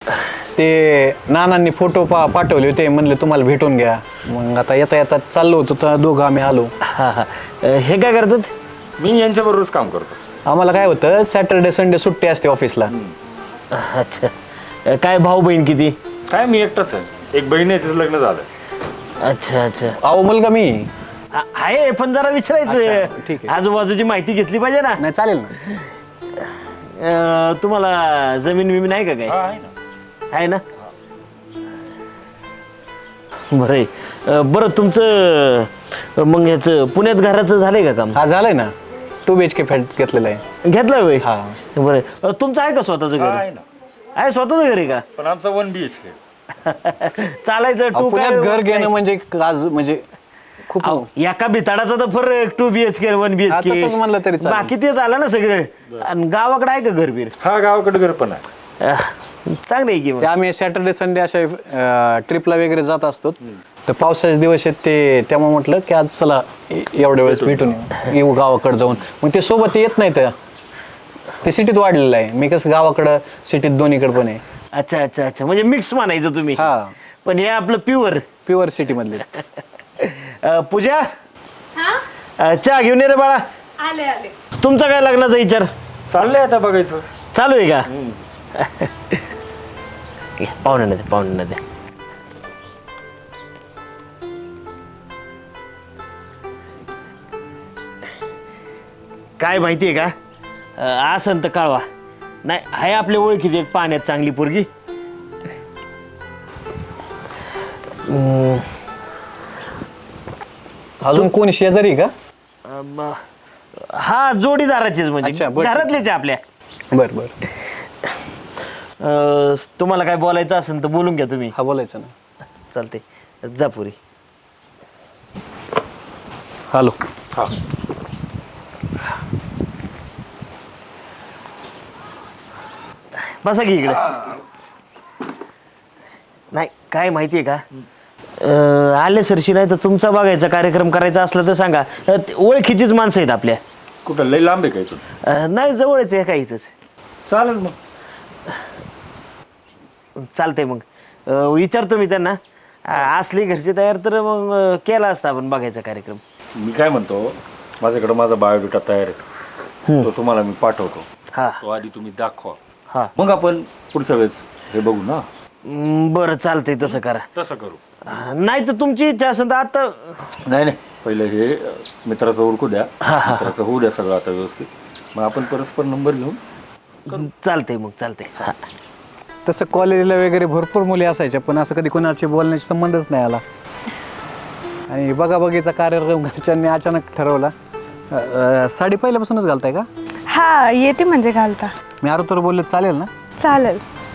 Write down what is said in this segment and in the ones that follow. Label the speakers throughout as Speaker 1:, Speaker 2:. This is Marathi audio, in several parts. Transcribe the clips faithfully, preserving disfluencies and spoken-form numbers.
Speaker 1: ते नानांनी फोटो पा पाठवले होते, म्हणले तुम्हाला भेटून घ्या. मग आता येता येता चाललो होतो तर दोघं आम्ही आलो.
Speaker 2: हा हा हे काय करतात?
Speaker 3: मी यांच्याबरोबरच काम करतो.
Speaker 1: आम्हाला काय होतं, सॅटर्डे संडे सुट्टी असते ऑफिसला.
Speaker 2: अच्छा, काय भाऊ बहीण किती?
Speaker 3: काय मी एकटाच आहे, एक बहीण आहे, तिचं लग्न झालं.
Speaker 2: अच्छा अच्छा,
Speaker 1: अहो मुलगा मी.
Speaker 2: आ- आहे पण जरा
Speaker 1: अच्छा,
Speaker 2: विचारायचं,
Speaker 1: ठीक आहे.
Speaker 2: आजूबाजूची माहिती घेतली पाहिजे ना.
Speaker 1: नाही चालेल ना.
Speaker 2: अं, तुम्हाला जमीन बिमीन आहे का काय?
Speaker 3: हा, आहे ना.
Speaker 2: आहे ना. बरं आहे. अं, बरं तुमचं अं, मग ह्याचं पुण्यात घराचं झालंय का काम?
Speaker 1: हा झालंय ना, two B H K flat घेतलेला आहे.
Speaker 2: घेतलं होय?
Speaker 1: हा.
Speaker 2: बरं अं, तुमचं आहे का स्वतःचं
Speaker 3: हा,
Speaker 2: घर?
Speaker 3: आहे ना.
Speaker 2: आहे स्वतःचं घर आहे का?
Speaker 3: पण आमचा वन बी एच के.
Speaker 2: चालायचं
Speaker 1: अहो,
Speaker 2: टू
Speaker 1: पुण्यात घर घेणं म्हणजे आज म्हणजे खूप.
Speaker 2: एका बिताडाचा तर फरक टू बीएचके वन
Speaker 1: हा,
Speaker 2: बीएचके
Speaker 1: तसंच म्हणलं तरी चालेल.
Speaker 2: बाकी ते झालं ना सगळं. आणि गावाकडे आहे का घर बीर?
Speaker 3: हा, गावाकडे घर पण आहे.
Speaker 2: अं, चांगलं आहे की मग.
Speaker 1: ते आम्ही सॅटर्डे संडे अशा ट्रिपला वगैरे जात असतो. तर पावसाचे दिवस आहेत ते, त्यामुळे म्हटलं की आज चला ए- एवढ्या वेळेस भेटून येऊ. येऊ गावाकडे जाऊन. मग ते सोबत येत नाही तर ते सिटीत वाढलेलं आहे. मी कसं गावाकडं सिटीत दोन्हीकडे पण आहे.
Speaker 2: अच्छा अच्छा अच्छा, म्हणजे मिक्स म्हणायचं तुम्ही.
Speaker 1: हा.
Speaker 2: पण हे आपलं प्युअर.
Speaker 1: प्युअर सिटी मधले.
Speaker 2: पूजा,
Speaker 4: हा
Speaker 2: अं, चहा घेऊन ये रे बाळा.
Speaker 4: आले आले.
Speaker 2: तुमचा काय लग्नाचा विचार
Speaker 3: चाललंय आता बघायचं.
Speaker 2: चालू आहे का? पाहुणे ना दे, पाहुणे ना दे. काय माहितीये का, अं, असं तर कळवा. नाही आहे आपल्या ओळखीची एक पाण्यात चांगली पोरगी.
Speaker 1: अजून कोण शेजारी का?
Speaker 2: अं, म- हा जोडीदाराचीच
Speaker 1: अच्छा,
Speaker 2: म्हणजे
Speaker 1: बरं.
Speaker 2: घरातलेच आहे आपल्या.
Speaker 1: बर बर.
Speaker 2: अं, तुम्हाला काय बोलायचं असेल तर बोलून घ्या तुम्ही.
Speaker 1: हा बोलायचं ना.
Speaker 2: चालते, जा पुरी.
Speaker 1: हॅलो.
Speaker 3: हा.
Speaker 2: बसा की इकडे. नाही काय माहितीये का, अं, आले सरशी नाही तर तुमचा बघायचा कार्यक्रम करायचा असला तर सांगा. अं, ते ओळखीचीच माणसं आहेत आपल्या.
Speaker 3: कुठं लय लांब आहे काय तू?
Speaker 2: अं, नाही जवळच आहे काय इथंच.
Speaker 3: चालेल मग.
Speaker 2: चालतंय मग. अं, विचारतो मी त्यांना. अं, असली घरची तयार तर मग अं, केला असता आपण बघायचा कार्यक्रम.
Speaker 3: मी काय म्हणतो, माझ्याकडे माझा बायोडेटा तयार आहे, तो तुम्हाला मी पाठवतो.
Speaker 2: हा
Speaker 3: तो आधी तुम्ही दाखवा,
Speaker 2: हा.
Speaker 3: मग आपण पुढच्या वेळेस हे बघू ना.
Speaker 2: अं, बरं चालतंय तसं करा.
Speaker 3: तसं करू.
Speaker 2: अं, नाही तर तुमची इच्छा असेल तर आता.
Speaker 3: नाही नाही, पहिलं हे अ, मित्राचं ओळखू द्या. मित्राचं होऊ द्या सगळं आता व्यवस्थित, मग आपण परस्पर नंबर घेऊन.
Speaker 2: चालतंय मग चालतंय. हा.
Speaker 1: तसं कॉलेजला वगैरे भरपूर मुली असायच्या, पण असं कधी कोणाची बोलण्याचा संबंधच नाही आला. आणि बघा बघीचा कार्यक्रम घरच्यांनी अचानक ठरवला. अ, अ, साडी पहिल्यापासूनच घालताय का?
Speaker 4: हा येते म्हणजे घालता.
Speaker 1: मी आरो तर बोलले चालेल ना?
Speaker 4: चालेल.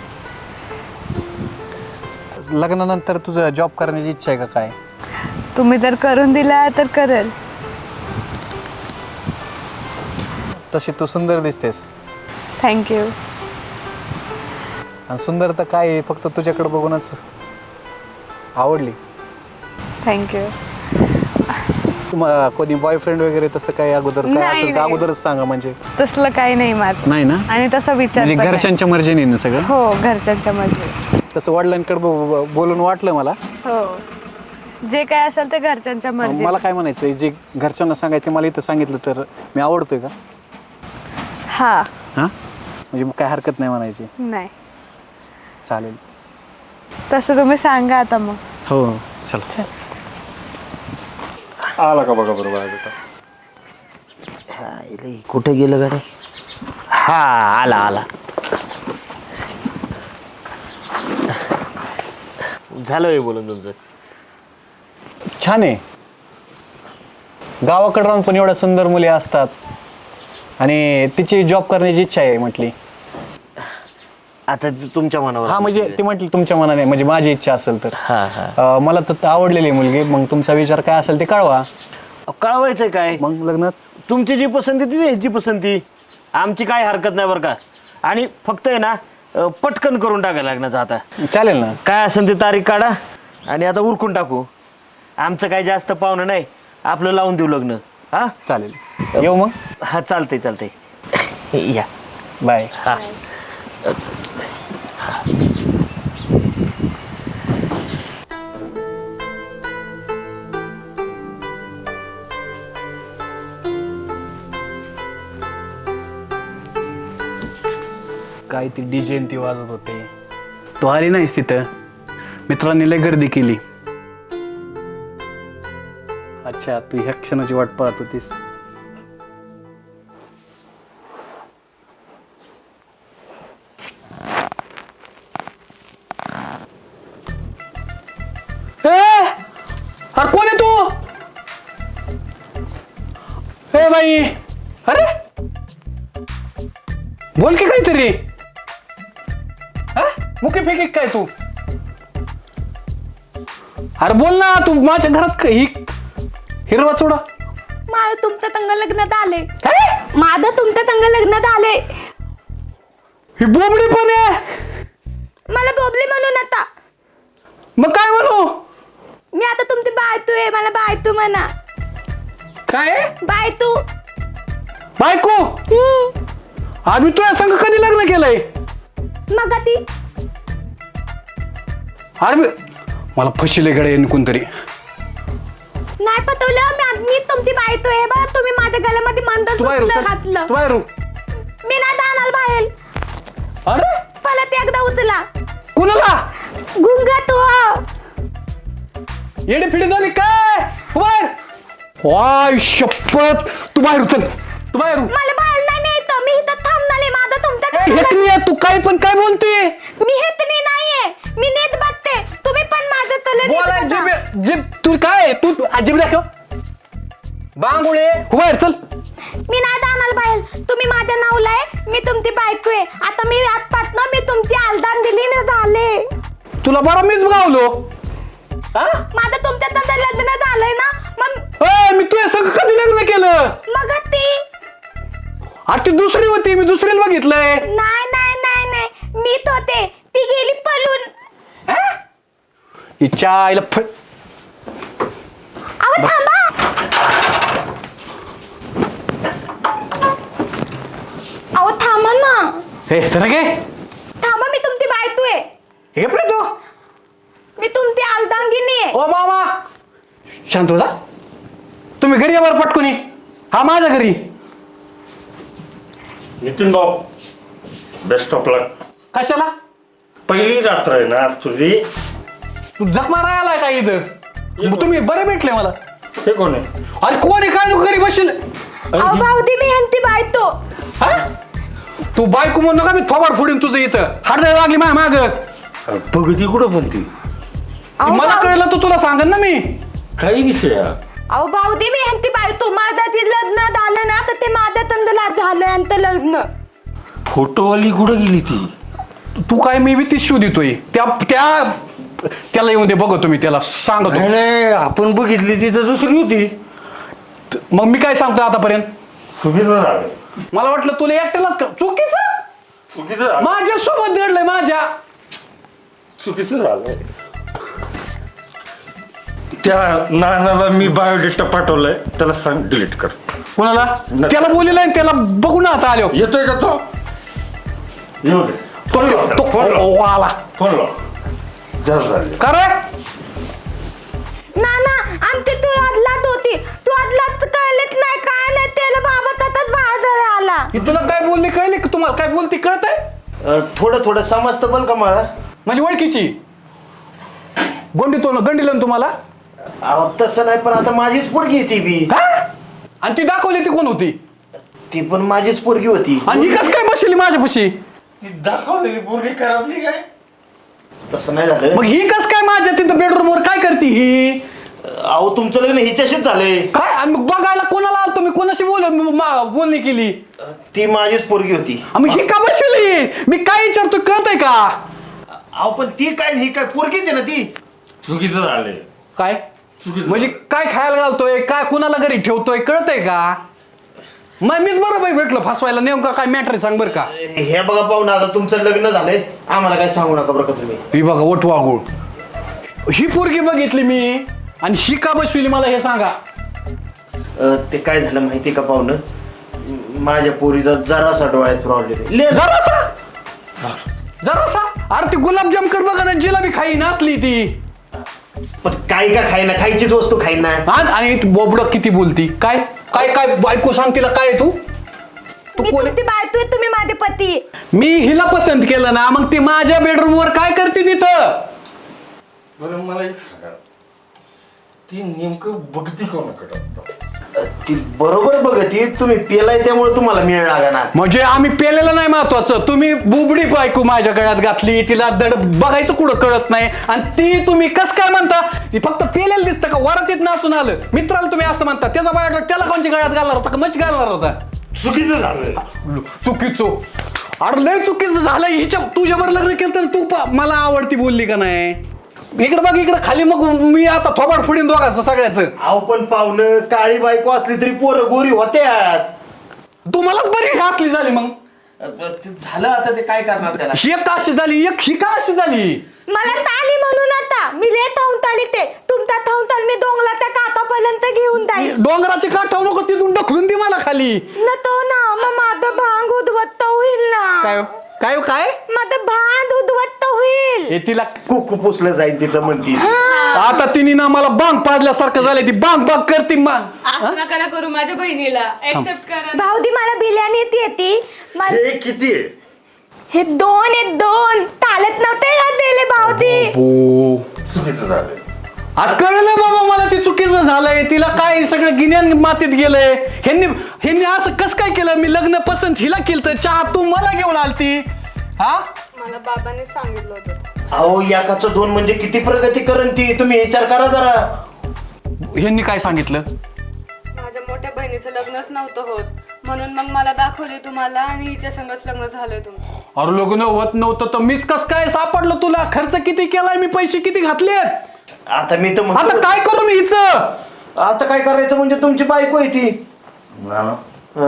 Speaker 1: लग्नानंतर तुझं जॉब करण्याची इच्छा आहे का काय?
Speaker 4: तुम्ही जर करून दिला तर करेल.
Speaker 1: तशी तू सुंदर दिसतेस.
Speaker 4: थँक्यू.
Speaker 1: आणि सुंदर तर काय आहे, फक्त तुझ्याकडे बघूनच आवडली.
Speaker 4: थँक्यू.
Speaker 1: तुम्हाला कोणी बॉयफ्रेंड वगैरे तसं काय अगोदर काय
Speaker 4: नाही,
Speaker 1: असेल तर
Speaker 4: नाही.
Speaker 1: अगोदरच सांगा. म्हणजे
Speaker 4: तसलं काही नाही माझं.
Speaker 1: नाही ना,
Speaker 4: आणि तसा विचार
Speaker 1: म्हणजे
Speaker 4: पण नाही.
Speaker 1: घरच्यांच्या मर्जीने ना सगळं.
Speaker 4: हो घरच्यांच्या मध्ये.
Speaker 1: तसं वडिलांकडे ब- ब- बोलून वाटलं मला.
Speaker 4: हो जे काय असेल ते घरच्यांच्या मर्जी.
Speaker 1: मला काय म्हणायचं, जे घरच्यांना सांगायचं मला इथं सांगितलं तर मी आवडतोय का?
Speaker 4: हा
Speaker 1: हां म्हणजे काय हरकत नाही म्हणायची.
Speaker 4: नाही
Speaker 1: चालेल.
Speaker 4: तसं तुम्ही सांगा आता मग.
Speaker 1: हो चला.
Speaker 3: आला का बघा बरं बायोडेटा.
Speaker 2: हा, इले कुठे गेलं गाड्या? हा आला आला. झालं हे बोलून तुमचं.
Speaker 1: छान आहे. गावाकडे राहून पण एवढ्या सुंदर मुली असतात आणि तिची जॉब करण्याची इच्छा आहे म्हटली.
Speaker 2: आता जे तुमच्या मनावर.
Speaker 1: हा म्हणजे ती म्हटली तुमच्या मनाने, म्हणजे माझी इच्छा असेल तर.
Speaker 2: हा हा.
Speaker 1: अं, मला तर आवडलेली आहे मुलगी. मग तुमचा विचार काय असेल ते कळवा.
Speaker 2: कळवायचंय काय?
Speaker 1: मग लग्नच.
Speaker 2: तुमची जी पसंती ती ह्याची पसंती. आमची काय हरकत नाही बरं का. आणि फक्त आहे ना अं, पटकन करून टाकायला लग्नाचं आता.
Speaker 1: चालेल ना.
Speaker 2: काय असेल ते तारीख काढा आणि आता उरकून टाकू. आमचं काय जास्त पाहुणं नाही, आपलं लावून देऊ लग्न. हा
Speaker 1: चालेल. येऊ मग.
Speaker 2: हा चालतंय चालतंय. या
Speaker 1: बाय.
Speaker 2: हा.
Speaker 1: काय ती डीजे ती वाजत होते. तू आली नाहीस तिथं. मित्रांनी लय गर्दी केली. अच्छा, तू ह्या क्षणाची वाट पाहत होतीस. अरे कोण आहे तू? ए बाई, अरे बोल की काहीतरी. मुके फेकी काय तू? अरे बोल ना, तू माझ्या घरात ही हिरवा चोडा.
Speaker 4: माझं तुमच्या संग लग्नात आले.
Speaker 1: काय?
Speaker 4: माझं तुमच्या संग लग्नात आले.
Speaker 1: ही बोबडी पण आहे.
Speaker 4: मला बोबली म्हणून आता.
Speaker 1: मग काय म्हणू?
Speaker 4: मी आता तुमची बायतू आहे. मला बायतू म्हणा.
Speaker 1: काय
Speaker 4: बायतू.
Speaker 1: बायको? आम्ही तुझ्या संग कधी लग्न केलंय?
Speaker 4: मग ती
Speaker 1: अरे मी- मला फशीले गडे कोणतरी.
Speaker 4: नाही पटवलं. मी मी तुमची बायतू आहे बा. तुम्ही माझ्या गळ्यामध्ये मंदन
Speaker 1: तू बाहेर
Speaker 4: सुतलं
Speaker 1: उचल.
Speaker 4: घातलं.
Speaker 1: तू बाहेर उ.
Speaker 4: मी नाही जाणार बाहेर.
Speaker 1: अरे
Speaker 4: मला ते एकदा उचला.
Speaker 1: कुणाला?
Speaker 4: गुंगा तू.
Speaker 1: येडे फिडे झाली काय? तू बाहेर. वाय शपथ, तू बाहेर उचल. तू बाहेर उ.
Speaker 4: मला बाहेर नाही न्यायचं. मी इथं थांबणार आहे. माझं तुमच्या
Speaker 1: हेतनी आहे, तू काय पण काय बोलते?
Speaker 4: मी हेतनी नाहीये. मी नीट बघते. तुम्ही पण माझं तले नीट
Speaker 1: बोलाय
Speaker 4: बघा.
Speaker 1: जिब जिब तू काय तू अजिब दाखव. बांगुळे बाहेर चल.
Speaker 4: मी नाही जाणार बाहेर. तुम्ही माझ्या नावला आहे. मी तुमची बायको आहे. आता मी आजपासून मी तुमची आलदान दिली ना झाले.
Speaker 1: तुला बरं मीच गावलो. हा?
Speaker 4: माझं तुमच्या तसं लग्न झालंय ना. मग
Speaker 1: ए, मी तुझ्या संग कधी लग्न केलं?
Speaker 4: मग ती
Speaker 1: अरे ती दुसरी होती. मी दुसरीला बघितलंय.
Speaker 4: नाही नाही नाही नाही. मीच होते. ती गेली पळून.
Speaker 1: हिच्या आईला फ
Speaker 4: अहो थांबा. अहो थांबा ना.
Speaker 1: हे सर गे
Speaker 4: थांबा. मी तुमची बायको आहे.
Speaker 1: हे पण तू.
Speaker 4: मी तुमची आलदांगिनी आहे.
Speaker 1: ओ मामा शांत हो जा. तुम्ही घरी यावर पटकुनी. हा माझ्या घरी.
Speaker 3: नितीन भाऊ, बेस्ट ऑफ लक.
Speaker 1: कशाला?
Speaker 3: पहिली रात्र आहे ना आज तुझी.
Speaker 1: तू जखमा राहिलाय का इथं? मग तुम्ही बरे भेटले मला.
Speaker 3: हे कोण आहे?
Speaker 1: अरे कोण आहे काय घरी बसेल?
Speaker 4: अहो भाऊदी मी ह्यांची बायको.
Speaker 1: हा? तू बायको म्हणू नका. मी थोबाड फोडीन तुझं इथं. हाडदाय लागली माझ्या माग.
Speaker 3: बघती कुठं म्हणती?
Speaker 4: अहो
Speaker 1: मला
Speaker 4: भाऊ-
Speaker 1: कळलं तर तुला सांगन ना मी.
Speaker 3: काही विषय हा?
Speaker 4: अहो भाऊदी मी ह्यांची बायको. माझं ते लग्न झालं ना तर ते माझ्या तंदला झालं यांचं लग्न.
Speaker 3: फोटोवाली कुठं गेली ती?
Speaker 1: तू काय मी बी ती शो देतोय. त्या त्या त्याला येऊन दे बघतो मी त्याला सांगतो.
Speaker 3: नाही नाही, आपण बघितली ती तर दुसरी होती.
Speaker 1: मग मी काय सांगतो आतापर्यंत?
Speaker 3: चुकीचं झालं.
Speaker 1: मला वाटलं तुला एकट्यालाच का चुकीचं.
Speaker 3: चुकीचं झालं.
Speaker 1: माझ्या सोबत दडलंय माझ्या.
Speaker 3: चुकीचं झालं. त्या नानाला मी बायोडेटा पाठवलाय. त्याला सांग डिलीट कर.
Speaker 1: कोणाला? त्याला बोललेलं आहे. त्याला बघू ना आता आलो.
Speaker 3: येतोय का तो? येऊ दे. फोन लाव त्याला,
Speaker 1: तो
Speaker 3: फोन लाव.
Speaker 1: ओ, आला
Speaker 3: फोन लाव. जास्त झाले.
Speaker 1: का रे?
Speaker 4: ना ना आमची तू अदलात होती. तू अदलात कळलेच नाही काय नाही. त्याला बाबा तसंच बाहेर आला.
Speaker 1: ही तुला काय बोलली कळली की तुम्हाला काय बोलती कळत आहे?
Speaker 2: थोडं थोडं समजतं बल का मला.
Speaker 1: माझी ओळखीची गोंडी तो गंडील ना तुम्हाला.
Speaker 2: अहो तसं नाही, पण आता माझीच पोरगी आहे ती बी.
Speaker 1: हा? आणि ती दाखवली ती कोण होती?
Speaker 2: ती पण माझीच पोरगी होती.
Speaker 1: आणि ही कस काय बसली माझ्यापाशी?
Speaker 3: ती दाखवलेली पोरगी खराबली काय?
Speaker 2: तसं नाही झालं.
Speaker 1: मग ही कस काय माझ्या तिथं बेडरूम वर काय करते ही?
Speaker 2: अहो तुमचं लग्न हिच्याशीच झालंय.
Speaker 1: काय? आणि मग बघायला कोणाला आलतो मी? कोणाशी बोल बोलणी केली?
Speaker 2: ती माझीच पोरगी होती.
Speaker 1: मग ही का बसली? मी काय विचारतो कळतंय का?
Speaker 2: अहो पण ती काय ही काय पोरगीच आहे ना ती.
Speaker 3: चुकीचं झालंय.
Speaker 1: काय म्हणजे काय खायला घालतोय काय कुणाला घरी ठेवतोय कळतंय का? मग मीच बरोबर भेटलो फसवायला. नेमका काय मॅटर सांग बरं का?
Speaker 2: हे बघा पाहून आता तुमचं लग्न झालंय. आम्हाला काय सांगू नका बरं का तुम्ही.
Speaker 1: ही बघा ओठ वागूळ. ही पोरगी बघितली मी आणि ही का बसविली मला हे सांगा.
Speaker 2: अं, ते काय झालं माहिती का पाहुणं. माझ्या पोरीचा जरासा डोळ्यात प्रॉब्लेम आहे.
Speaker 1: जरासा जरासा अरे ती गुलाबजाम कर बघा ना. जिलाबी खाई नसली ती.
Speaker 2: पण काय का खाईना, खायचीच वस्तू खाईना.
Speaker 1: आणि बोबड किती बोलती. काय काय काय बायको सांग तिला काय तू? तू
Speaker 4: मी
Speaker 1: कोण
Speaker 4: तुमची बायको आहे, तुम्ही माझे पती.
Speaker 1: मी हिला पसंत केलं ना, मग ती माझ्या बेडरूम वर काय करते तिथं?
Speaker 3: बरं मला एक सांगा, ती नेमकं बघती कोणाकडे आता?
Speaker 2: ती बरोबर बघती, तुम्ही पेलाय त्यामुळे तुम्हाला मिळ लागा ना.
Speaker 1: म्हणजे आम्ही पेलेलं नाही महत्वाचं, तुम्ही बुबडी बायको माझ्या गळ्यात घातली, तिला दड बघायचं कुठं कळत नाही, आणि ती तुम्ही कस काय म्हणता? ती फक्त पेलेलं दिसतं का? वरातीत नाचून आलं मित्राला तुम्ही असं म्हणता, त्याचा बायोडा त्याला कोणच्या गळ्यात घालणार होता का मच घालणार होता?
Speaker 3: चुकीचं झालं.
Speaker 1: चुकीचं? अरे लय चुकीचं झालं. हिच्या तुझ्यावर लग्न केलं तर तू पा- मला आवडती बोलली का नाही? इकडे बघ, इकडे खाली, मग मी आता थोबाड फुडीन दोघांचं सगळ्याच.
Speaker 2: अहो पण पाहुणं, काळी बायको असली तरी पोरं गोरी होत्यात.
Speaker 1: तुम्हालाच बरी घातली झाली, मग
Speaker 2: अ, ते झालं आता, ते काय करणार त्याला?
Speaker 1: ही एक का अशी झाली, एक ही का अशी झाली?
Speaker 4: मला ताली म्हणून आता मी ले थांबून ताली ते तुमचा थांबून ताल मी डोंगला त्या कातापर्यंत घेऊन जाईल.
Speaker 1: डोंगराची काठ ठेवू नको, तिथून ढकलून दे मला खाली.
Speaker 4: न तो ना मग माझं भांग उद्वत्त होईल ना.
Speaker 1: काय काय काय
Speaker 4: माझं भांग उद्वत्त होईल.
Speaker 1: हे तिला
Speaker 2: कुकू पुसलं जाईल तिचं म्हणती.
Speaker 1: आता तिने ना मला बांग पाजल्यासारखं झालंय, ती बांग बांग करते मा.
Speaker 5: असं नका ना करू माझ्या बहिणीला, ऍक्सेप्ट करा.
Speaker 4: भाऊदी मला बिर्याणी येते येते मला-
Speaker 3: हे किती आहे?
Speaker 4: हे दोन आहेत दोन चालत नव्हते का दिले भाऊदी.
Speaker 3: चुकीचं झालं.
Speaker 1: आज कळलं बाबा मला, ती चुकीचं झालंय, तिला काय सगळं गिन्यान मातीत गेलंय. ह्यांनी ह्यांनी असं कस काय केलं? मी लग्न पसंत हिला केलं तर चहा तू मला घेऊन आलती. हा
Speaker 5: मला बाबाने सांगितलं होतं.
Speaker 2: अहो एकाचं दोन म्हणजे किती प्रगती करण ती, तुम्ही विचार करा जरा.
Speaker 1: ह्यांनी काय सांगितलं?
Speaker 5: माझ्या मोठ्या बहिणीचं लग्नच नव्हतं होत, म्हणून मग मला दाखवली तुम्हाला आणि हिच्या संगच लग्न झालंय तुमचं.
Speaker 1: अरे लग्न होत नव्हतं तर मीच कस काय सापडलं तुला? खर्च किती केलाय मी, पैसे किती घातलेत?
Speaker 2: आता मी तर
Speaker 1: आता
Speaker 2: म्हणतो,
Speaker 1: काय करू मी हिचं?
Speaker 2: आता काय करायचं म्हणजे तुमची बायको आहे ती.
Speaker 3: ना ना,
Speaker 2: हं?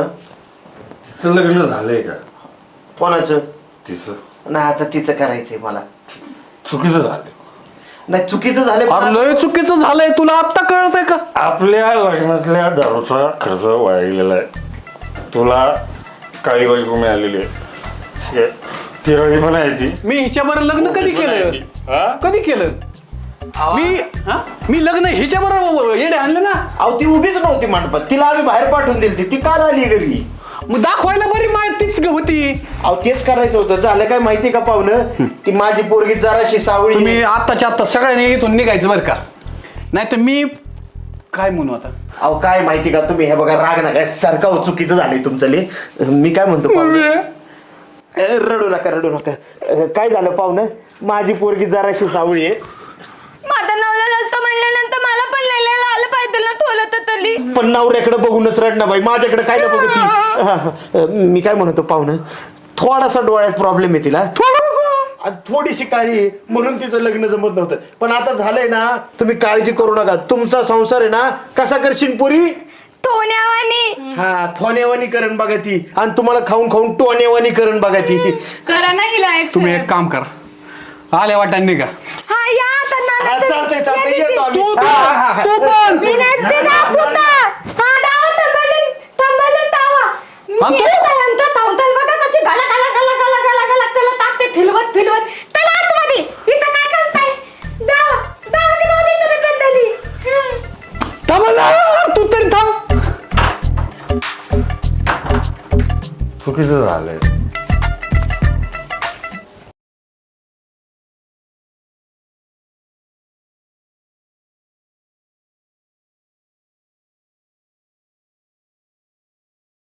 Speaker 3: तिचं लग्न झालंय का?
Speaker 2: कोणाचं?
Speaker 3: तिचं
Speaker 2: नाही आता तिचं करायचंय मला.
Speaker 3: चुकीचं झालं.
Speaker 2: नाही चुकीचं झालं
Speaker 1: अरे लय चुकीचं झालंय, तुला आता कळतंय का?
Speaker 3: आपल्या लग्नातल्या दारूचा खर्च वाया गेलेला आहे. तुला काळी बायको मिळालेली आहे, ठीक आहे, तिरळी पण आहे ती.
Speaker 1: मी हिच्याबरोबर लग्न कधी केलं?
Speaker 3: हा?
Speaker 1: कधी केलं मी? हा? मी लग्न हिच्या बरोबर येडे आणलं ना.
Speaker 2: अहो ती उभीच नव्हती मंडपात, तिला आम्ही बाहेर पाठवून दिली ती काल आली घरी.
Speaker 1: मग दाखवायला बरी माहितीच होती.
Speaker 2: अहो तेच करायचं होतं. झालं काय माहिती का पाहुणं, ती माझी पोरगी जराशी सावळी.
Speaker 1: तुम्ही आत्ताच्या आत्ता सगळ्यांनी इथून निघायचं बरं का, नाही तर मी काय म्हणू आता.
Speaker 2: अहो काय माहिती का, तुम्ही हे बघा राग नका सारखा, हो चुकीचं झालंय तुमचं ले. मी काय म्हणतो पाहुणं, अ, रडू नका रडू नका. अ, काय झालं पाहुणं, माझी पोरगी जराशी सावळी आहे.
Speaker 4: माझं नवला ललतो म्हणल्यानंतर मला पण लिहिलेलं आलं पाहिजे ना थोलं तर तली.
Speaker 2: पण नवऱ्याकडे बघूनच रडणं बाई, माझ्याकडे काय ना बघती. हा, हा. मी काय म्हणतो पाहुणं, थोडासा डोळ्यात प्रॉब्लेम आहे तिला, आणि थोडीशी काळी आहे, म्हणून तिचं लग्न जमत नव्हतं. पण आता झालंय ना, तुम्ही काळजी करू नका. तुमचा संसार आहे ना, कसा करशील पोरी?
Speaker 4: टोण्यावानी.
Speaker 2: हा थोनेवानी करण बघा ती, आणि तुम्हाला खाऊन खाऊन टोनेवानी करण बघा ती.
Speaker 5: करा ना हिला
Speaker 1: तुम्ही
Speaker 5: accept.
Speaker 1: एक काम करा, आल्या वाटाने निघा.
Speaker 4: हा या आता नाना
Speaker 2: हा,
Speaker 4: तुम्ही-
Speaker 2: चालतंय चालतंय येतो आम्ही.
Speaker 1: तू
Speaker 2: हा, हा, हा.
Speaker 1: तू पण
Speaker 4: मी नाही ते दाखवता. हा डावा थांबवलं थांबवलं दावा. मी
Speaker 1: आणि तू?
Speaker 4: येतानंतर थांबताल बघा कशी गला गला गला गला गला गला गला टाकते फिरवत फिरवत. चला आतमध्ये. इथं काय करताय? दावा दावा ती भावडी तुम्ही बदलली. हं.
Speaker 1: थांब ना, तू तरी थांब.
Speaker 3: चुकीचं झालंय.